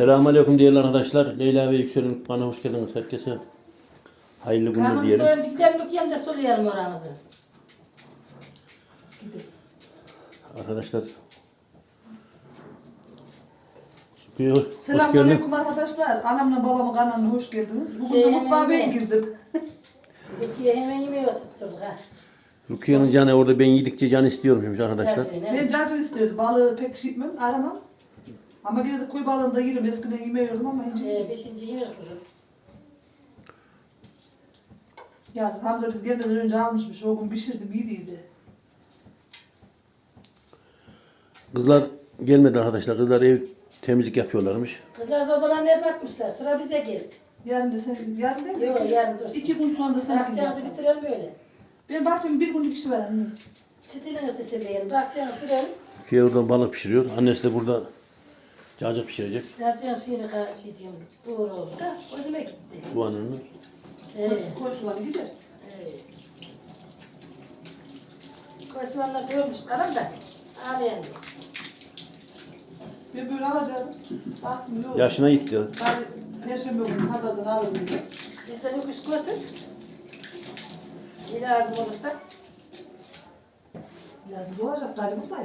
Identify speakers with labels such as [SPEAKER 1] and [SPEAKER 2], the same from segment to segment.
[SPEAKER 1] Selamünaleyküm değerli arkadaşlar. Leyla ve Yüksel'in kanalına hoş geldiniz. Herkese hayırlı günler diyelim.
[SPEAKER 2] Kanımızda öncükten bakayım da soruyorum oranızı.
[SPEAKER 1] Arkadaşlar. Hoş geldin.
[SPEAKER 3] Selamünaleyküm arkadaşlar. Anamla babamın kanalına hoş geldiniz. Bugün de mutfağa ben girdim.
[SPEAKER 2] Rukiye hemen yemeği oturtturduk ha.
[SPEAKER 1] Rukiye'nin canı orada ben yedikçe can istiyormuşmuş arkadaşlar.
[SPEAKER 3] Ben cacık istiyordum. Balığı pek şey etmem, aramam. Ama yine de koyu balığını da yerim. Eskiden yemiyordum ama ince.
[SPEAKER 2] Beşinci yenir kızım.
[SPEAKER 3] Yazın Hamza biz gelmeden önce almışmış. O gün pişirdim, iyiydi.
[SPEAKER 1] Kızlar gelmedi arkadaşlar. Kızlar ev temizlik yapıyorlarmış.
[SPEAKER 2] Kızlar sobalarını hep atmışlar. Sıra bize geldi.
[SPEAKER 3] Yarın değil mi?
[SPEAKER 2] Yok yarın dursun.
[SPEAKER 3] 2 gün sonra da sana
[SPEAKER 2] Bakacağınızı
[SPEAKER 3] gidelim.
[SPEAKER 2] bitirelim böyle.
[SPEAKER 3] Benim bahçemin bir günlük işi var anne.
[SPEAKER 2] Sütünü ısıtırlayalım. Bakacağınızı sürelim.
[SPEAKER 1] Rukiye oradan balık pişiriyor. Annesi de burada cacık pişirecek.
[SPEAKER 2] Bakacağınızı şey diyorum. Uğur oldu da. Özüme gitti.
[SPEAKER 1] Soğanını.
[SPEAKER 3] Koy soğanı gider.
[SPEAKER 2] Evet. Koy soğanlar görmüşlerim da. Ağlayan yok.
[SPEAKER 3] Ben böyle alacağım. Baktım yok.
[SPEAKER 1] Yaşına gitti.
[SPEAKER 3] Ben Perşembe günü pazardan alırım diye.
[SPEAKER 2] Bizden yokuş götür. Bir lazım olursa.
[SPEAKER 3] Lazım olacak galiba buradayım.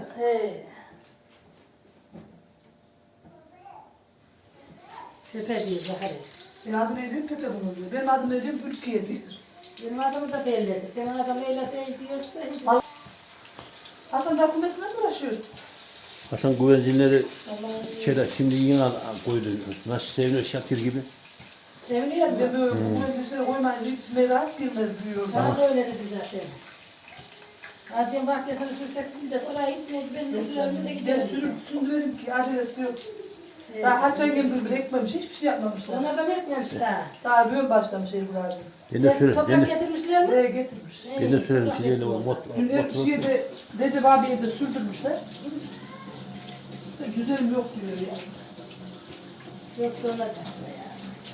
[SPEAKER 2] Pepe diyor Zahari.
[SPEAKER 3] Adım Edip Pepe bunu diyor. Benim adım Edip Ülke'ye diyor.
[SPEAKER 2] Benim adımı da belledi. Senin adın Leyla değil diyorsa.
[SPEAKER 3] Hasan dokumentiyle mi uğraşıyor?
[SPEAKER 1] Hasan güvercinleri içeri şimdi yine koydu. Nasıl seviniyor Şakir gibi.
[SPEAKER 2] Seviniyor mu?
[SPEAKER 3] Ben böyle dokumentiyle koymayınca hiç merak girmez diyor.
[SPEAKER 2] Bana da öyle dedi zaten. Acem bahçesini sürsek şimdi de oraya gitmeydi. Ben de sürerime de
[SPEAKER 3] Ben
[SPEAKER 2] giderim.
[SPEAKER 3] sürdürelim ki acelesi yok. Daha Hatice'nin gibi bile ekmemiş, hiçbir şey yapmamışlar.
[SPEAKER 2] Ona da vermemiş daha.
[SPEAKER 3] Daha böyle başlamış Ebru abi.
[SPEAKER 1] Ben de sürerim.
[SPEAKER 2] Toprak getirmişler mi?
[SPEAKER 3] Nereye getirmiş.
[SPEAKER 1] Ben de sürerim. Şimdi o
[SPEAKER 3] Günler bir şeye de Recep abiye de sürdürmüşler. Güzelim yok diyor ya.
[SPEAKER 2] Yok sonra kaçma ya.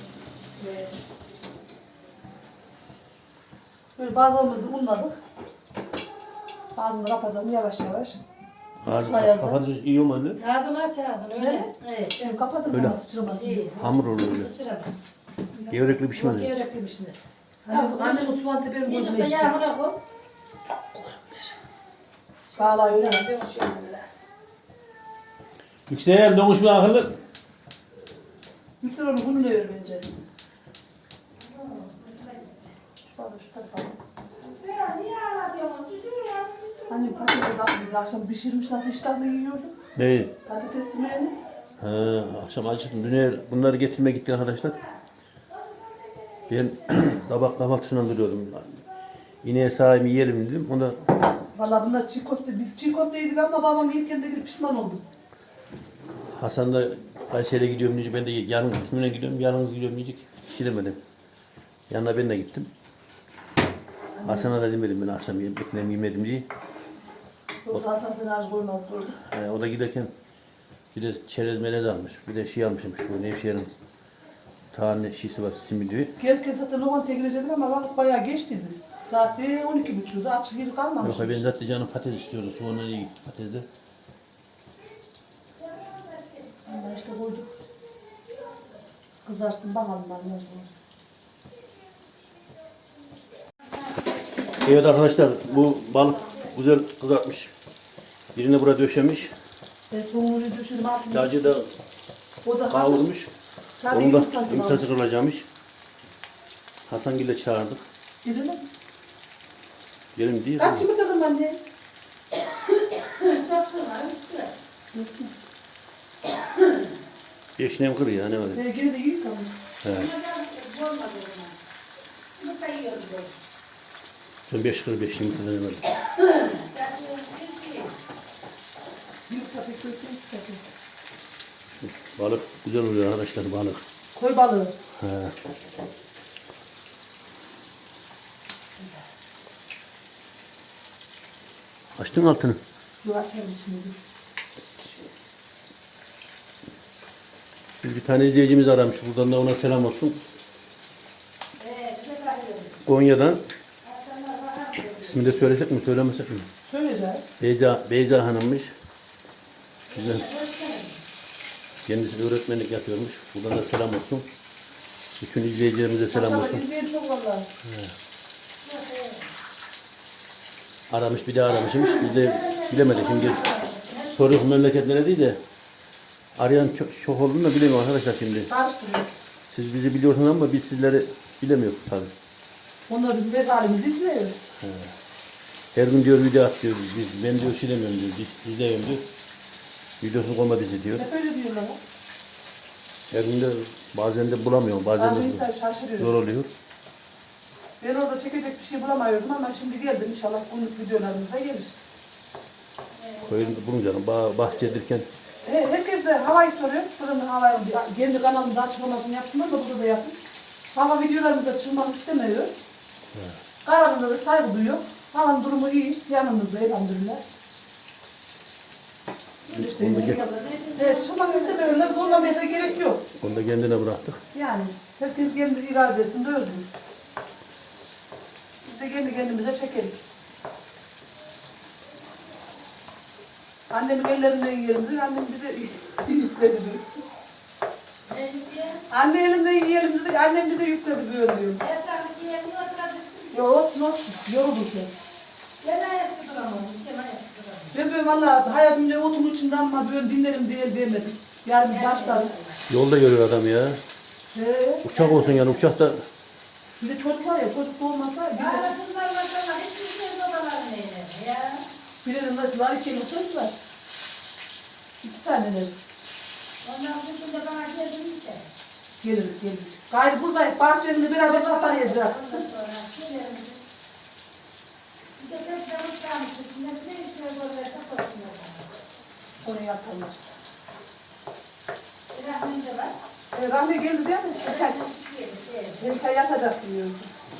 [SPEAKER 3] Böyle bazılarımızı unladık. Ağzını kapatalım yavaş yavaş.
[SPEAKER 1] Kafanız iyi olmadı.
[SPEAKER 2] Ağzını aç ağzını öyle. Evet.
[SPEAKER 3] Şimdi kapatın
[SPEAKER 1] Öyle.
[SPEAKER 3] ama sıçramasın.
[SPEAKER 2] Şey,
[SPEAKER 1] Hamur olur öyle.
[SPEAKER 2] sıçramaz.
[SPEAKER 1] Gevrekli pişmez.
[SPEAKER 2] Yok gerekliymişsiniz.
[SPEAKER 3] Annem Osman Tepe'nin
[SPEAKER 2] Yiyecek
[SPEAKER 3] gözüne
[SPEAKER 2] de
[SPEAKER 3] gitti.
[SPEAKER 2] yağmura koy.
[SPEAKER 3] Bağla öyle.
[SPEAKER 1] Yüksel donuşma akıllı.
[SPEAKER 3] Yüksel onu bunu ne ver bence? Şu tarafa şu tarafa. Annem patatesi bakmıyor. Akşam pişirmiş nasıl iştahla yiyordum.
[SPEAKER 1] Ne?
[SPEAKER 3] Patates yemeğini.
[SPEAKER 1] Akşam acıktım. Dün bunları getirmeye gittik arkadaşlar. Ben sabah kahvaltısından duruyordum. İneğe sahibimi yiyelim dedim. Onda
[SPEAKER 3] Valla bunlar çiğ köfte. Biz çiğ köfte yedik ama babam yerken de bir pişman oldum.
[SPEAKER 1] Hasan da Kayseri'ye gidiyorum diyecek. Ben de yarın kimine gidiyorum, yalnız gidiyorum diyecek. Pişiremedim. Yanına ben de gittim. Hasan'a da demedim ben akşam ekmeğimi yemedim diye.
[SPEAKER 3] Yoksa Hasan seni aç koymaz orada.
[SPEAKER 1] O da giderken bir de çerez melez almış. Bir de şey almışmış bu Nevşehir'in tane şişi var simidi.
[SPEAKER 3] Gelirken zaten lokantaya girecektik ama vakit bayağı geçtiydi. Saat 12.30'da açık yeri kalmamış.
[SPEAKER 1] Yok ben zaten canım patates istiyordu. Sonra iyi gitti patatesde.
[SPEAKER 3] Allah işte koyduk. Kızarsın bakalım ben nasıl olur.
[SPEAKER 1] Evet arkadaşlar bu balık güzel kızartmış. Birini burada döşemiş.
[SPEAKER 3] Ben soğuğunu düşürüm altına.
[SPEAKER 1] Cacığı da
[SPEAKER 3] O da
[SPEAKER 1] kavurmuş.
[SPEAKER 3] Tabii
[SPEAKER 1] Onun da
[SPEAKER 3] yumurtası var.
[SPEAKER 1] yumurtası kırılacakmış. Hasangil'e çağırdık.
[SPEAKER 3] Gidelim.
[SPEAKER 1] Gelin diye.
[SPEAKER 3] Kaç yumurta kırım anne?
[SPEAKER 1] Yeşinem kır ya ne var?
[SPEAKER 3] Geri de iyi kalmış.
[SPEAKER 1] Evet. Sen 5 kır 5 yumurta ne var?
[SPEAKER 3] Yumurta pek kötü.
[SPEAKER 1] Balık güzel oluyor arkadaşlar balık.
[SPEAKER 3] Koy balığı.
[SPEAKER 1] He. Açtın altını.
[SPEAKER 3] Dur açalım şimdi.
[SPEAKER 1] Bir tane izleyicimiz aramış. Buradan da ona selam olsun. Konya'dan. İsmini de söylesek mi söylemesek mi?
[SPEAKER 3] Söyleyeceğiz.
[SPEAKER 1] Beyza Hanım'mış. Güzel. Kendisi de öğretmenlik yapıyormuş. Buradan da selam olsun. Bütün izleyicilerimize selam
[SPEAKER 3] Maşallah,
[SPEAKER 1] olsun.
[SPEAKER 3] izleyen çok vallahi.
[SPEAKER 1] Aramış bir de aramışmış. Biz de bilemedik. Şimdi soruyoruz memleketlere değil de arayan çok olduğunu da bilemiyorum arkadaşlar şimdi.
[SPEAKER 3] Karıştırıyor.
[SPEAKER 1] Siz bizi biliyorsunuz ama biz sizleri bilemiyoruz tabii.
[SPEAKER 3] Onlar bizim mezarımızı izliyor.
[SPEAKER 1] Her gün diyor video at diyor. Ben diyor şey demiyorum diyor. İzleyeyim diyor. Videosunu koyma dizi diyor.
[SPEAKER 3] Hep öyle diyorlar.
[SPEAKER 1] Her gün de bazen de bulamıyorum. Bazen
[SPEAKER 3] Bazı
[SPEAKER 1] de
[SPEAKER 3] insan şaşırıyor.
[SPEAKER 1] zor oluyor.
[SPEAKER 3] Ben orada çekecek bir şey bulamıyordum ama şimdi geldim. İnşallah günlük videolarımız da gelir.
[SPEAKER 1] Koyun bulunca bahçedirken
[SPEAKER 3] Herkes de havayı soruyor. Fırının havayı kendi kanalımda açıklamasını yaptım da burada da yaptım. Hava videolarımızda çıkmak istemiyor. Kararında da saygı duyuyor. Havanın durumu iyi. Yanımızda elhamdülillah. Evet, çıkmak istemiyorlar. Zorlamaya da gerek yok.
[SPEAKER 1] onu da kendine bıraktık.
[SPEAKER 3] Yani herkes kendi iradesinde özgür. Biz de kendi kendimize çekeriz. Annemin ellerinden yiyelim. Annem bize yükledi diyor. Anne elinden yiyelim dedik. Annem bize yükledi böyle diyor. Yok olsun. Yorulduk ya. Ben böyle valla hayatımda otumun içinde ama böyle dinlerim diye demedim. Yani bir başladım.
[SPEAKER 1] Yolda görüyor adam ya. Uçak olsun yani uçakta
[SPEAKER 3] Bir de çocuk var ya, çocuk da olmasa birinin nasıl var, iki çocuk var. 2 taneler. Geliriz. Gayrı buradayız, bahçemizde beraber çapalayacağız. Oraya yaparlar. Rahmi geldi değil mi? Erken yatacak diyorsun.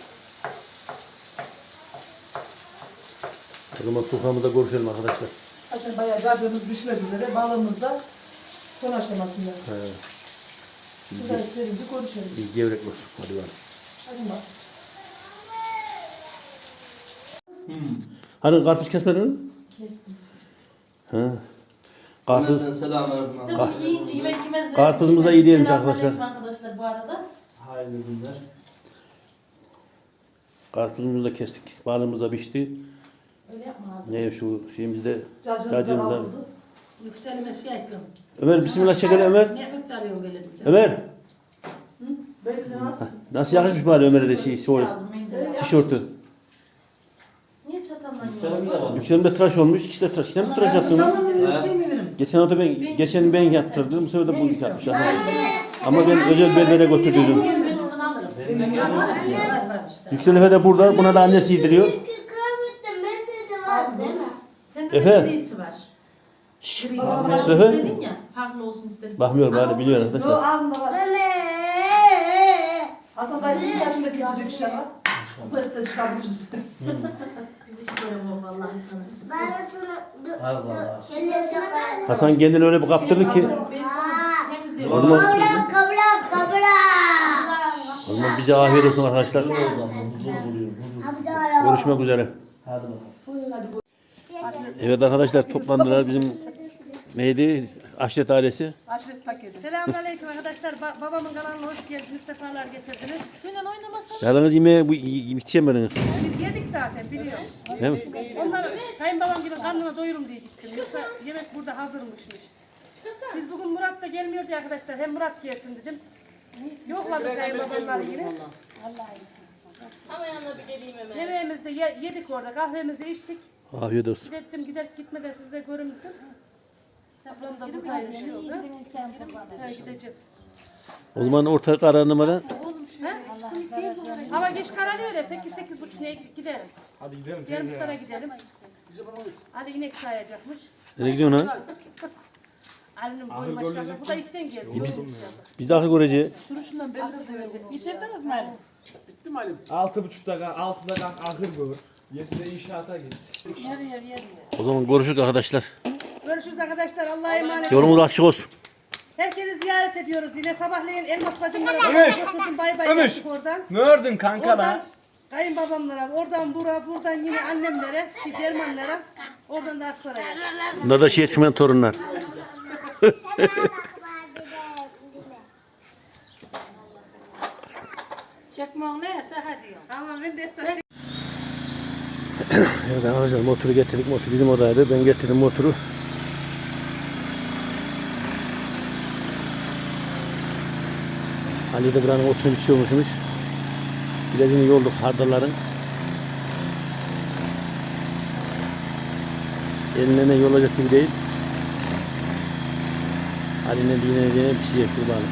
[SPEAKER 1] o zaman soframızda görüşelim arkadaşlar.
[SPEAKER 3] Zaten bayağı cacığımız pişmek üzere, balığımız da son aşamasında. Şurada istediğimizi konuşalım.
[SPEAKER 1] Bir gevrek var. Hadi bakalım.
[SPEAKER 3] Hadi bak.
[SPEAKER 1] Hani karpuz kesmedin mi?
[SPEAKER 2] Kestim.
[SPEAKER 1] Ha. Karpuz,
[SPEAKER 4] Selamünaleyküm.
[SPEAKER 2] Yiyince yemek yemezler.
[SPEAKER 1] karpuzumuz da iyi değilmiş
[SPEAKER 2] Selamünaleyküm
[SPEAKER 1] arkadaşlar.
[SPEAKER 2] arkadaşlar bu arada.
[SPEAKER 4] Hayırlı günler.
[SPEAKER 1] karpuzumuzu da kestik. Balığımız da pişti.
[SPEAKER 2] Öyle yapma ağzını.
[SPEAKER 1] Ne şu şeyimizde
[SPEAKER 3] Cacığımızdan
[SPEAKER 1] cacığımızda.
[SPEAKER 3] aldı.
[SPEAKER 2] Yükselime şey ettim.
[SPEAKER 1] Ömer bismillah çekelim Ömer.
[SPEAKER 2] Ne miktar alıyorum böyle diyeceğim.
[SPEAKER 1] Ömer.
[SPEAKER 3] Belki de nasıl?
[SPEAKER 1] Nasıl yakışmış bari Ömer'e de şey,
[SPEAKER 2] Şey aldım, mendil.
[SPEAKER 1] tişörtü.
[SPEAKER 2] Niye çatallan
[SPEAKER 4] Selam da var.
[SPEAKER 1] Yükselimde tıraş olmuş. İkisi de tıraş. Yine mi tıraş yaptın? Geçen hafta geçen ben yaptırdım. Bu sefer de bu yapmış. Ama ben özel berbere götürdüm.
[SPEAKER 2] Ben oradan alırım. Var işte.
[SPEAKER 1] Yüksel Efe de burada. Buna da annesi yediriyor.
[SPEAKER 2] Sende
[SPEAKER 1] Efe.
[SPEAKER 2] de grisi var. Gri. Sen
[SPEAKER 1] Efe.
[SPEAKER 2] istedin ya. Farklı olsun istedim.
[SPEAKER 1] Bakmıyorum bari biliyor
[SPEAKER 3] Yo
[SPEAKER 1] arkadaşlar.
[SPEAKER 3] ağzında var. Hasan dayısının saçında kesecek iş yapar. Bu üstte çıkabiliriz.
[SPEAKER 2] Biz hiç böyle bu vallahi sana.
[SPEAKER 4] Allah.
[SPEAKER 1] Hasan kendini öyle bir kaptırdı ki.
[SPEAKER 2] Ben sana temizliyorum.
[SPEAKER 1] O zaman, o zaman bize afiyet olsun arkadaşlar.
[SPEAKER 4] Huzur buluyor.
[SPEAKER 1] Görüşmek üzere.
[SPEAKER 4] Hadi bakalım.
[SPEAKER 1] Evet arkadaşlar toplandılar bizim neydi? Aşiret ailesi.
[SPEAKER 3] Aşiret paketi.
[SPEAKER 5] Selamünaleyküm arkadaşlar. Babamın kanalına hoş geldiniz. Sefalar getirdiniz.
[SPEAKER 2] Suyla oynamasın.
[SPEAKER 1] Yalnız yemeğe yetişemediniz.
[SPEAKER 5] Biz yedik zaten biliyorum.
[SPEAKER 1] Değil mi?
[SPEAKER 5] Onları kayınbabam gibi karnına doyurum diye gittim. Yoksa yemek burada hazırmışmış. Biz bugün Murat da gelmiyor diye arkadaşlar. Hem Murat gelsin dedim. Yokladık kayınbabamları yine.
[SPEAKER 2] Ama yanına bir geleyim hemen.
[SPEAKER 5] Yemeğimizi de yedik orada. Kahvemizi içtik.
[SPEAKER 1] Afiyet olsun.
[SPEAKER 5] Dedim gitmeden siz de görün dedim. Ablam da buradaymış yolda. Ha, gideceğim.
[SPEAKER 1] O zaman orta kararnamada
[SPEAKER 5] Hava geç kararıyor ya. 8-8.30 neye giderim.
[SPEAKER 4] Hadi gidelim.
[SPEAKER 5] Yarım sana gidelim. Hadi inek sayacakmış.
[SPEAKER 1] nereye gidiyorsun ha?
[SPEAKER 5] Ali'nin boyu maşallah. Bu da işten geldi.
[SPEAKER 1] Biz de ahır göreceğiz.
[SPEAKER 5] Şundan belli de verecek. Bitirdiniz mi Ali?
[SPEAKER 6] 6.30'da 6'da kalk ahır gör. 7'de inşaata git.
[SPEAKER 1] O zaman görüşürüz arkadaşlar.
[SPEAKER 5] Görüşürüz arkadaşlar. Allah'a emanet.
[SPEAKER 1] Yolumuz açık olsun.
[SPEAKER 5] Herkesi ziyaret ediyoruz. Yine sabahleyin Elmas bacımlara
[SPEAKER 6] Ömür!
[SPEAKER 5] götürdüm. Bay bay
[SPEAKER 6] Ömür!
[SPEAKER 5] yaptık oradan.
[SPEAKER 6] Ne ördün kanka
[SPEAKER 5] Oradan
[SPEAKER 6] lan?
[SPEAKER 5] kayınbabamlara, oradan buradan yine annemlere, dermanlara, oradan da Aksaray'a.
[SPEAKER 1] Bunlar da şey yetişmeyen torunlar.
[SPEAKER 2] Çekmem neyse hadi.
[SPEAKER 5] Tamam ben de esnaf.
[SPEAKER 1] Evet arkadaşlar motoru getirdik. Motor bizim odaydı. Ben getirdim motoru. Ali de buranın otunu biçiyormuşmuş. Birazını yolduk hardalların. Eline ne yolacak gibi değil. Ali'nin dinlediğine biçecek kurbanı.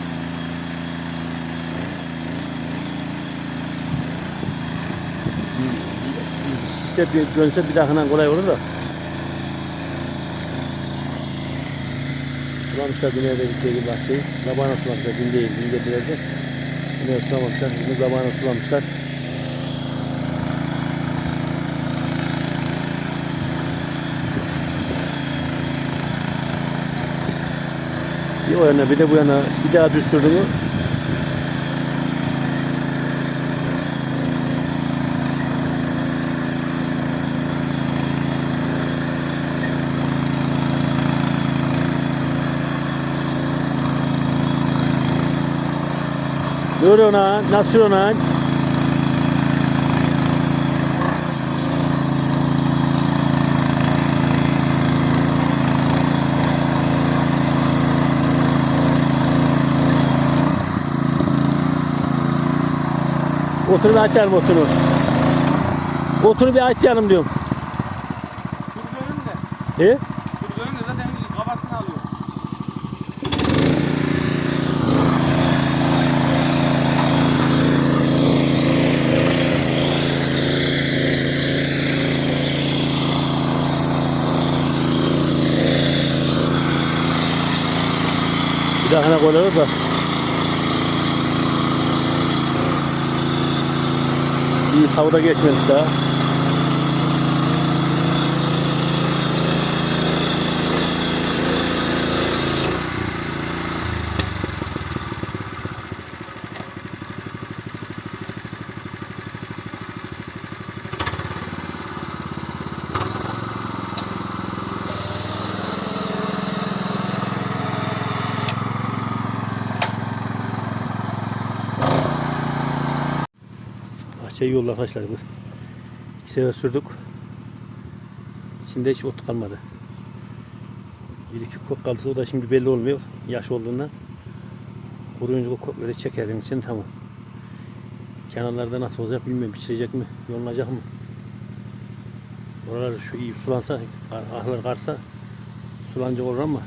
[SPEAKER 1] İşte bir dönse bir dahakından kolay olur da. Sulamışlar dünyada gittiği gibi bahçeyi. Zabağına sulamışlar. Dün değil, dün getirdi. Dünyada sulamamışlar. Bunu zabağına sulamışlar. Bir o yana bir de bu yana bir daha düstürdü mü? Dur ona, nasıl ona? Otunu bir açalım otunu. Otunu bir açalım diyorum.
[SPEAKER 6] Tur dönün de.
[SPEAKER 1] He?
[SPEAKER 6] Tur dönün de zaten kafasını alıyor.
[SPEAKER 1] Bir dahakine koyarız da. İyi tavuda geçmemiş daha. Bahçeyi yolda arkadaşlar bu. 2 sefer sürdük. İçinde hiç ot kalmadı. Bir iki kok kalırsa o da şimdi belli olmuyor. Yaş olduğundan. Kuruyunca o kokları çekerim için tamam. Kenarlarda nasıl olacak bilmiyorum. Pişirecek mi? Yolunacak mı? Oralar şu iyi sulansa, ahlar karsa sulanacak olur ama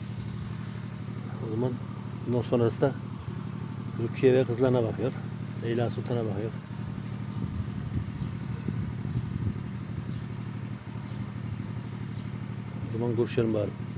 [SPEAKER 1] o zaman bundan sonrası da Rukiye ve kızlarına bakıyor. Leyla Sultan'a bakıyor. O zaman görüşelim bari.